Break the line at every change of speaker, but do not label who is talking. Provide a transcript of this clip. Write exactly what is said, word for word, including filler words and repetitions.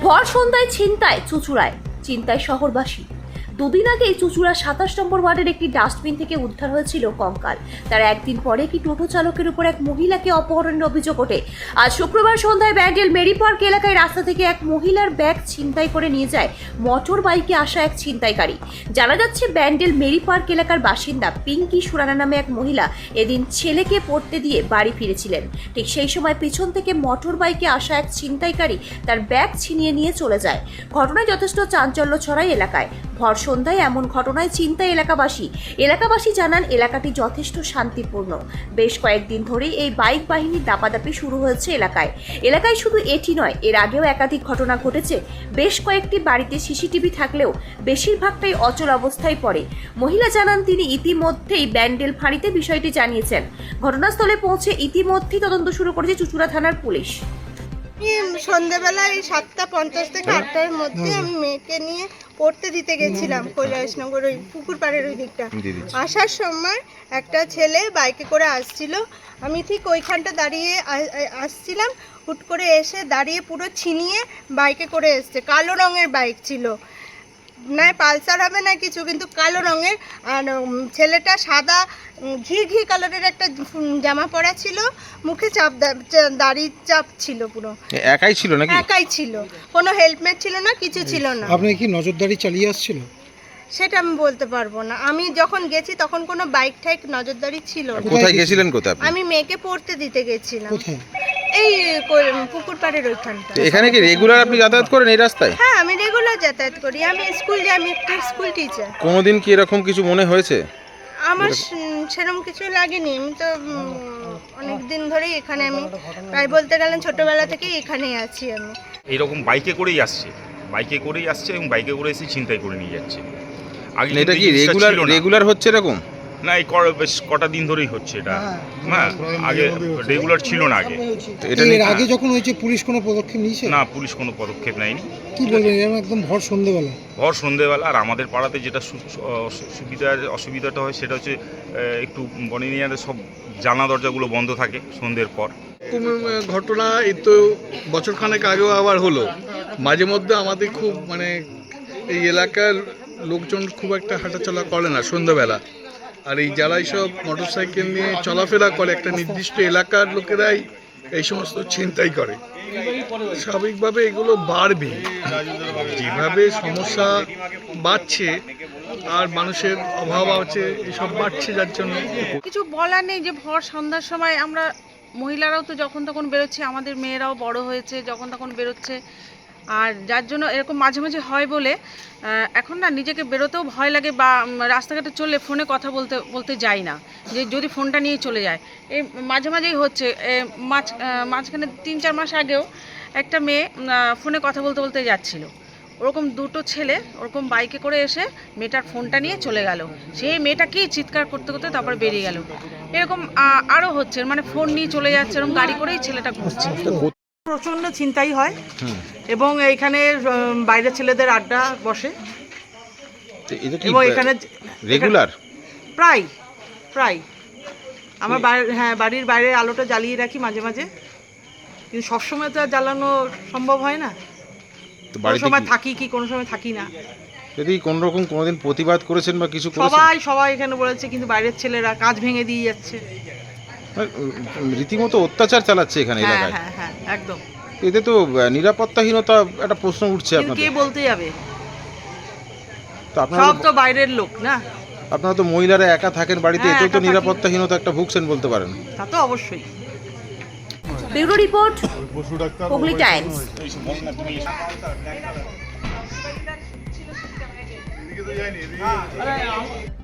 ভর সন্ধ্যায় ছিনতাই চুঁচুড়ায়, চিন্তায় শহরবাসী। দুদিন আগে চুঁচুড়া সাতাশ নম্বর ওয়ার্ডের একটি ডাস্টবিন থেকে উদ্ধার হয়েছিল কঙ্কাল। তার একদিন পরে একটি টোটো চালকের উপর এক মহিলাকে অপহরণের অভিযোগ ওঠে। আজ শুক্রবার সন্ধ্যায় ব্যান্ডেল মেরি পার্ক এলাকায় রাস্তা থেকে এক মহিলার ব্যাগ ছিনতাই করে নিয়ে যায় মোটর বাইকে আসা এক ছিনতাইকারী। জানা যাচ্ছে ব্যান্ডেল মেরি পার্ক এলাকার বাসিন্দা পিঙ্কি সুরানা নামে এক মহিলা এদিন ছেলেকে পড়তে দিয়ে বাড়ি ফিরেছিলেন। ঠিক সেই সময় পিছন থেকে মোটর বাইকে আসা এক ছিনতাইকারী তার ব্যাগ ছিনিয়ে নিয়ে চলে যায়। ঘটনায় যথেষ্ট চাঞ্চল্য ছড়ায় এলাকায়। ভর সন্ধ্যায় এমন ঘটনায় চিন্তায় এলাকাবাসী। এলাকাবাসী জানান এলাকাটি যথেষ্ট শান্তিপূর্ণ। বেশ কয়েকদিন ধরেই এই বাইক বাহিনীর দাপাদাপি শুরু হয়েছে এলাকায়। এলাকায় শুধু এটি নয়, এর আগেও একাধিক ঘটনা ঘটেছে। বেশ কয়েকটি বাড়িতে সিসিটিভি থাকলেও বেশিরভাগটাই অচল অবস্থায় পড়ে। মহিলা জানান তিনি ইতিমধ্যেই ব্যান্ডেল ফাঁড়িতে বিষয়টি জানিয়েছেন। ঘটনাস্থলে পৌঁছে ইতিমধ্যেই তদন্ত শুরু করেছে চুঁচুড়া থানার পুলিশ।
সন্ধ্যাবেলায় সাতটা পঞ্চাশ থেকে আটটার মধ্যে আমি মেয়েকে নিয়ে পড়তে দিতে গেছিলাম কৈলাসনগর ওই পুকুর পাড়ের ওই দিকটা। আসার সময় একটা ছেলে বাইকে করে আসছিল, আমি ঠিক ওইখানটা দাঁড়িয়ে আসছিলাম, হুট করে এসে দাঁড়িয়ে পুরো ছিনিয়ে বাইকে করে এসছে। কালো রঙের বাইক ছিল, না পালসার হবে না কিছু, কিন্তু কালো রঙের। আর ছেলেটা সাদা ঘি ঘি কালারের একটা জামা পরা ছিল, মুখে চাপ দাড়ি চাপ ছিল, পুরো
একাই ছিল নাকি?
একাই ছিল, কোনো হেলমেট ছিল না, কিছু ছিল না।
আপনি কি নজরদারি চালিয়ে আসছিল?
সেটা আমি বলতে পারবো না। আমি যখন গেছি তখন কোনো বাইক ঠাইক নজরদারি ছিল না।
কোথায় গেছিলেন? কোথায়?
আমি মেয়েকে পড়তে দিতে গেছিলাম।
কোথায়?
এই পুকুর পাড়ের ওইখানটা।
এখানে কি রেগুলার আপনি যাতায়াত করেন এই রাস্তায়?
হ্যাঁ, আমি রেগুলার যাতায়াত করি, আমি স্কুল যাই, আমি একটা স্কুল টিচার।
কোনোদিন কি এরকম কিছু মনে হয়েছে?
আমার সেরকম কিছু লাগেনি। আমি তো অনেক দিন ধরেই এখানে, আমি প্রায় বলতে গেলেন ছোটবেলা থেকেই এখানেই আছি। আমি
এইরকম বাইকে করেই আসছে, বাইকে করেই আসছে এবং বাইকে করে এসে ছিনতাই করে নিয়ে যাচ্ছে। আগে
এটা কি রেগুলার রেগুলার হচ্ছে এরকম?
না, এই বেশ কটা দিন ধরেই হচ্ছে এটা। হ্যাঁ, আগে রেগুলার ছিল না আগে।
এটা এর আগে যখন হয়েছে পুলিশ কোনো পদক্ষেপ নিয়েছে?
না, পুলিশ কোনো পদক্ষেপ নেয়নি।
কি বলবেন, এরকম একদম ভর সন্ধ্যেবেলা?
ভর সন্ধ্যেবেলা। আর আমাদের পাড়াতে যেটা সুবিধা অসুবিধাটা হয় সেটা হচ্ছে একটু বনিনিয়ারে সব জানলা দরজাগুলো বন্ধ থাকে সন্ধ্যের পর।
ঘটনা এই তো বছরখানেক আগেও আবার হলো। মাঝে মধ্যে আমাদের খুব মানে এই এলাকার লোকজন খুব একটা হাঁটাচলা করে না সন্ধ্যাবেলা। আর এই যারা এইসব মোটর সাইকেল নিয়ে চলাফেরা করে, একটা নির্দিষ্ট এলাকার লোকেরাই এই সমস্ত ছিনতাই করে। স্বাভাবিকভাবে এগুলো বাড়বে, যেভাবে সমস্যা বাড়ছে আর মানুষের অভাব আছে, এসব বাড়ছে, যার জন্য
কিছু বলার নেই। যে ভর সন্ধ্যার সময় আমরা মহিলারাও তো যখন তখন বেরোচ্ছে, আমাদের মেয়েরাও বড় হয়েছে, যখন তখন বেরোচ্ছে। আর যার জন্য এরকম মাঝে মাঝে হয় বলে এখন না নিজেকে বেরোতেও ভয় লাগে, বা রাস্তাঘাটে চললে ফোনে কথা বলতে বলতে যাই না, যে যদি ফোনটা নিয়ে চলে যায়। এই মাঝে মাঝেই হচ্ছে। মাঝ মাঝখানে তিন চার মাস আগেও একটা মেয়ে ফোনে কথা বলতে বলতে যাচ্ছিল, ওরকম দুটো ছেলে ওরকম বাইকে করে এসে মেয়েটার ফোনটা নিয়ে চলে গেল। সেই মেয়েটাকেই চিৎকার করতে করতে তারপর বেরিয়ে গেল। এরকম আরও হচ্ছে, মানে ফোন নিয়ে চলে যাচ্ছে, এরকম গাড়ি করেই ছেলেটা ঘুরছে।
প্রচন্ড চিন্তাই হয় এবং এইখানে বাইরের ছেলেদের আড্ডা বসে এবং এখানে
রেগুলার
প্রায় প্রায় আমার হ্যাঁ বাড়ির বাইরে আলোটা জ্বালিয়ে রাখি মাঝে মাঝে, কিন্তু সবসময় তো আর জ্বালানো সম্ভব হয় না। কোনো সময় থাকি কি কোনো সময় থাকি না।
যদি কোন রকম কোনোদিন প্রতিবাদ করেছেন বা কিছু করেছেন?
সবাই সবাই এখানে বলেছে, কিন্তু বাইরের ছেলেরা কাজ ভেঙে দিয়ে যাচ্ছে,
রীতিমতো অত্যাচার চালাচ্ছে এখানে এলাকায়।
হ্যাঁ হ্যাঁ একদম।
এতে তো নিরাপত্তাহীনতা একটা প্রশ্ন উঠছে আপনাদের।
কে বলতে যাবে?
তো আপনারা
সব তো বাইরের লোক না।
আপনারা তো মহিলারা একা থাকেন বাড়িতে, এতেও তো নিরাপত্তাহীনতা একটা ভুগছেন বলতে পারেন।
তা তো অবশ্যই।
Bureau report, Hooghly Times.